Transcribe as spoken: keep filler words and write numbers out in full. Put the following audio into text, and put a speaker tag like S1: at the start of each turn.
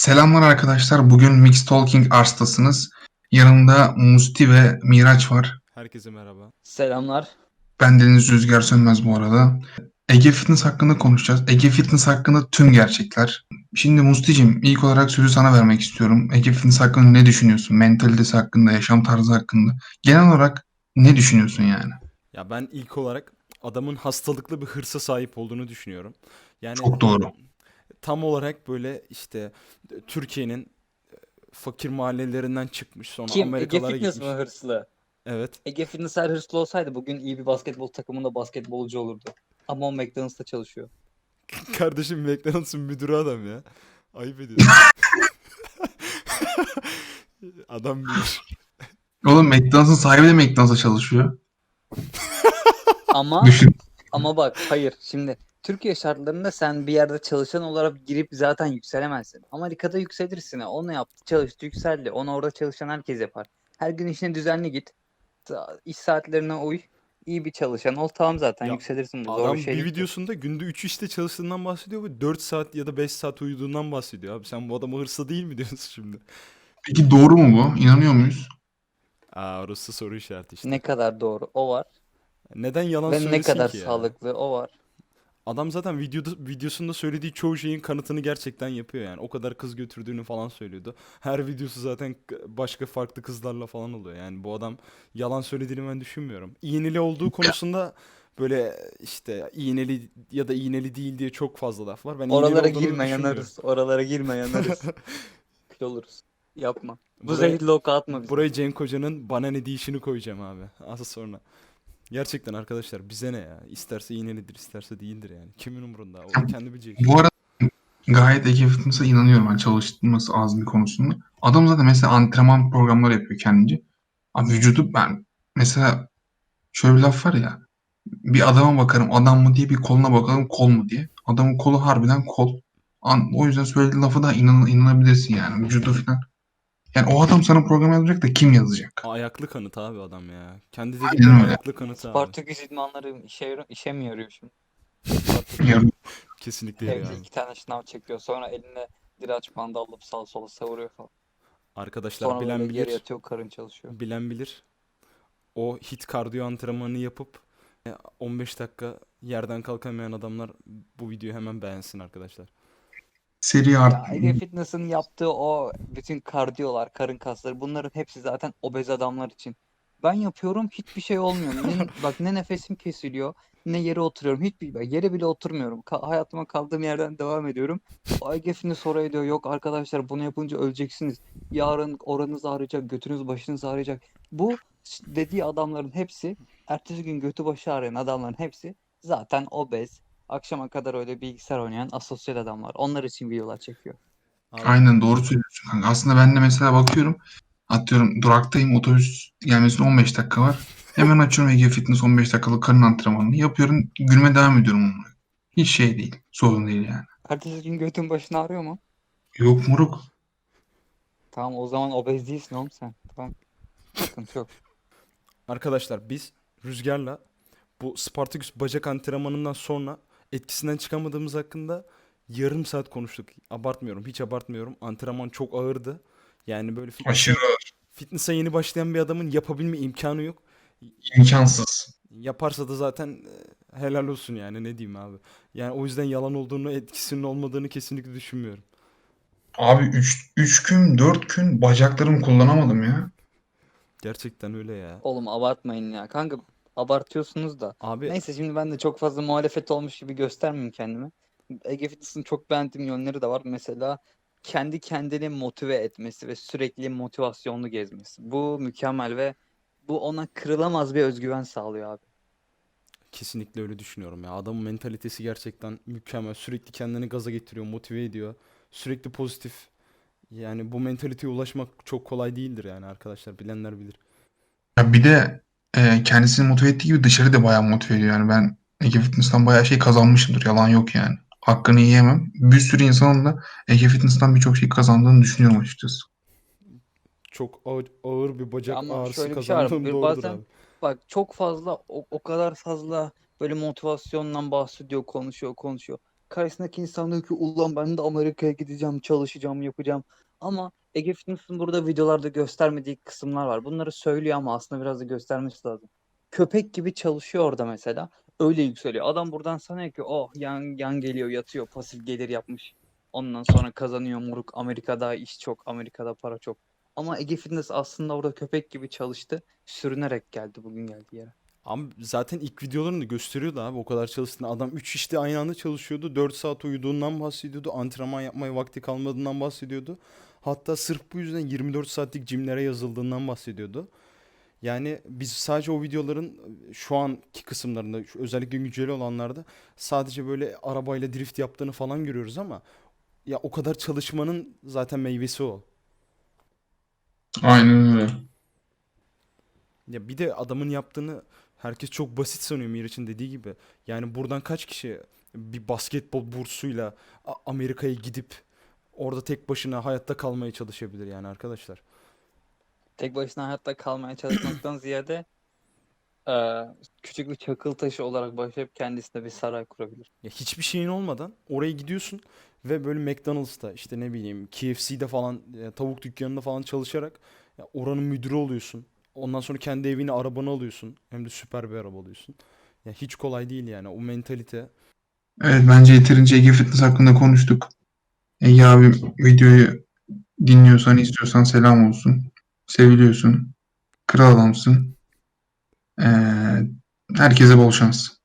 S1: Selamlar arkadaşlar. Bugün Mix Talking Ars'tasınız. Yanımda Musti ve Miraç var.
S2: Herkese merhaba.
S3: Selamlar.
S1: Ben Deniz Rüzgar Sönmez bu arada. Ege Fitness hakkında konuşacağız. Ege Fitness hakkında tüm gerçekler. Şimdi Musti'cim ilk olarak sözü sana vermek istiyorum. Ege Fitness hakkında ne düşünüyorsun? Mentalitesi hakkında, yaşam tarzı hakkında. Genel olarak ne düşünüyorsun yani?
S2: Ya ben ilk olarak adamın hastalıklı bir hırsa sahip olduğunu düşünüyorum. Yani
S1: Çok doğru.
S2: tam olarak böyle işte Türkiye'nin fakir mahallelerinden çıkmış sonra
S3: Kim? Ege
S2: Amerikalara
S3: Fitness mi
S2: gitmiş.
S3: hırslı?
S2: Evet.
S3: Ege Fitness eğer hırslı olsaydı bugün iyi bir basketbol takımında basketbolcu olurdu. Ama o McDonald's'ta çalışıyor.
S2: Kardeşim McDonald's'ın müdürü adam ya. Ayıp ediyorsun. Adam bilir.
S1: Oğlum McDonald's'ın sahibi de McDonald's'a çalışıyor.
S3: Ama
S1: Düşün.
S3: ama bak hayır şimdi Türkiye şartlarında sen bir yerde çalışan olarak girip zaten yükselemezsin. Amerika'da yükselirsin. Onu yaptı, çalıştı, yükseldi. Onu orada çalışan herkes yapar. Her gün işine düzenli git. Ta- İş saatlerine uy. İyi bir çalışan ol. Tamam zaten
S2: Ya
S3: yükselirsin. Bu zor bir
S2: adam
S3: şey
S2: bir
S3: değil ki.
S2: videosunda günde üç işte çalıştığından bahsediyor ve dört saat ya da beş saat uyuduğundan bahsediyor. Abi sen bu adama hırsı değil mi diyorsun şimdi?
S1: Peki doğru mu bu? İnanıyor muyuz?
S2: Aa, orası soru işareti işte.
S3: Ne kadar doğru o var.
S2: Neden yalan
S3: Ve ne
S2: söylesin
S3: kadar
S2: ki ya?
S3: sağlıklı o var.
S2: Adam zaten videoda, videosunda söylediği çoğu şeyin kanıtını gerçekten yapıyor yani. O kadar kız götürdüğünü falan söylüyordu. Her videosu zaten k- başka farklı kızlarla falan oluyor. Yani bu adam yalan söylediğini ben düşünmüyorum. İğneli olduğu konusunda böyle işte iğneli ya da iğneli değil diye çok fazla laf var. Ben iğneli
S3: Oralara
S2: olduğunu
S3: girme
S2: düşünmüyorum.
S3: yanarız. Oralara girme yanarız. Kül oluruz. Yapma. Bu
S2: Buraya
S3: zehirli oku atma bize.
S2: buraya Cenk Hoca'nın bana ne deyişini koyacağım abi. Az sonra. Gerçekten arkadaşlar bize ne ya? İsterse iğnelidir, isterse değildir yani. Kimin umurunda? O kendi bileceği iş.
S1: Bu arada gayet Ege Fitness'a inanıyorum ben çalışması azmi konusunda. Adam zaten mesela antrenman programları yapıyor kendince. Abi vücudu ben mesela şöyle bir laf var ya, bir adama bakarım adam mı diye, bir koluna bakalım kol mu diye. Adamın kolu harbiden kol. An, o yüzden söylediği lafı da inan, inanabilirsin yani vücudu falan. Yani o adam sana program yazacak da kim yazacak?
S2: Ayaklı kanıt abi adam ya. Kendi dedikleri
S1: Aynen öyle.
S2: ayaklı kanıt abi.
S3: Spartaküs idmanları işe, yar- işe mi yarıyor şimdi? Spartaküs.
S1: Yarın
S2: Kesinlikle yarıyor
S3: Evde
S2: abi.
S3: iki tane şınav çekiyor. Sonra eline diraç bandı alıp sağa sola savuruyor falan.
S2: Arkadaşlar
S3: Sonra böyle
S2: bilen
S3: geri
S2: bilir.
S3: yatıyor, karın çalışıyor.
S2: Bilen bilir. O hit kardiyo antrenmanını yapıp e, on beş dakika yerden kalkamayan adamlar bu videoyu hemen beğensin arkadaşlar.
S1: seri art.
S3: Ya Ege Fitness'ın yaptığı o bütün kardiyolar, karın kasları bunların hepsi zaten obez adamlar için. Ben yapıyorum hiçbir şey olmuyor. Ne, bak ne nefesim kesiliyor ne yere oturuyorum. Hiçbir bak, yere bile oturmuyorum. Ka- hayatıma kaldığım yerden devam ediyorum. O Ege Fitness oraya diyor yok arkadaşlar bunu yapınca öleceksiniz. Yarın oranız ağrıyacak, götünüz başınız ağrıyacak. Bu dediği adamların hepsi ertesi gün götü başı ağrıyan adamların hepsi zaten obez. Akşama kadar öyle bilgisayar oynayan asosyal adamlar. Onlar için videolar çekiyor.
S2: Abi
S1: Aynen doğru söylüyorsun kanka. Aslında ben de mesela bakıyorum, atıyorum duraktayım, otobüs gelmesine on beş dakika var. Hemen açıyorum Ege Fitness on beş dakikalık karın antrenmanını yapıyorum. Gülme devam ediyorum onunla. Hiç şey değil. Sorun değil yani.
S3: Ertesi gün götün başın ağrıyor mu?
S1: Yok moruk.
S3: Tamam o zaman obez değilsin oğlum sen. Tamam sıkıntı yok.
S2: arkadaşlar biz Rüzgar'la bu Spartaküs bacak antrenmanından sonra etkisinden çıkamadığımız hakkında yarım saat konuştuk. Abartmıyorum, hiç abartmıyorum. Antrenman çok ağırdı. Yani böyle
S1: Aşırı
S2: fitness'a fitness'a yeni başlayan bir adamın yapabilme imkanı yok.
S1: imkansız.
S2: Yaparsa da zaten e, helal olsun yani ne diyeyim abi. Yani o yüzden yalan olduğunu, etkisinin olmadığını kesinlikle düşünmüyorum.
S1: Abi üç üç gün dört gün bacaklarımı kullanamadım ya.
S2: Gerçekten öyle ya.
S3: Oğlum abartmayın ya. Kanka abartıyorsunuz da.
S2: Abi
S3: Neyse şimdi ben de çok fazla muhalefet olmuş gibi göstermeyeyim kendimi. Ege Fitness'ın çok beğendiğim yönleri de var. Mesela kendi kendini motive etmesi ve sürekli motivasyonlu gezmesi. Bu mükemmel ve bu ona kırılamaz bir özgüven sağlıyor abi.
S2: kesinlikle öyle düşünüyorum ya. Adamın mentalitesi gerçekten mükemmel. Sürekli kendini gaza getiriyor, motive ediyor. Sürekli pozitif. Yani bu mentaliteye ulaşmak çok kolay değildir yani arkadaşlar. Bilenler bilir.
S1: Ya bir de e, kendisini motive ettiği gibi dışarı da bayağı motive ediyor. Yani ben Ege Fitness'tan bayağı şey kazanmışımdır. Yalan yok yani. Hakkını yiyemem. Bir sürü insanın da Ege Fitness'tan birçok şey kazandığını düşünüyorum açıkçası.
S2: Çok ağır, ağır bir
S3: Ya
S2: bacak
S3: ama
S2: ağrısı
S3: şöyle bir şey var.
S2: kazandığım
S3: Bir
S2: doğrudur
S3: bazen
S2: abi.
S3: bak çok fazla o, o kadar fazla böyle motivasyondan bahsediyor, konuşuyor, konuşuyor. karşısındaki insan diyor ki ulan ben de Amerika'ya gideceğim, çalışacağım, yapacağım. Ama Ege Fitness'ın burada videolarda göstermediği kısımlar var. Bunları söylüyor ama aslında biraz da göstermesi lazım. Köpek gibi çalışıyor orada mesela. Öyle yükseliyor. Adam buradan sanıyor ki oh yan, yan geliyor, yatıyor, pasif gelir yapmış. Ondan sonra kazanıyor moruk. Amerika'da iş çok, Amerika'da para çok. Ama Ege Fitness aslında orada köpek gibi çalıştı. Sürünerek geldi bugün geldiği yere.
S2: Ama zaten ilk videolarını gösteriyordu abi o kadar çalıştığını. Adam üç işte aynı anda çalışıyordu. dört saat uyuduğundan bahsediyordu. Antrenman yapmaya vakti kalmadığından bahsediyordu. Hatta sırf bu yüzden yirmi dört saatlik jimlere yazıldığından bahsediyordu. Yani biz sadece o videoların şu anki kısımlarında, şu özellikle günceli olanlarda sadece böyle arabayla drift yaptığını falan görüyoruz ama ya o kadar çalışmanın zaten meyvesi o.
S1: Aynen öyle.
S2: Ya bir de adamın yaptığını herkes çok basit sanıyor Miraç'ın dediği gibi. Yani buradan kaç kişi bir basketbol bursuyla A- Amerika'ya gidip orada tek başına hayatta kalmaya çalışabilir yani arkadaşlar.
S3: Tek başına hayatta kalmaya çalışmaktan ziyade eee, küçük bir çakıl taşı olarak başlayıp kendisine bir saray kurabilir.
S2: Ya hiçbir şeyin olmadan oraya gidiyorsun ve böyle McDonald's'ta işte ne bileyim K F C'de falan e, tavuk dükkanında falan çalışarak ya oranın müdürü oluyorsun. Ondan sonra kendi evini arabanı alıyorsun. Hem de süper bir araba alıyorsun. Ya hiç kolay değil yani o mentalite.
S1: Evet, bence yeterince Ege Fitness hakkında konuştuk. Ege abi, videoyu dinliyorsan, istiyorsan selam olsun. Seviliyorsun. Kral adamsın. Ee, herkese bol şans.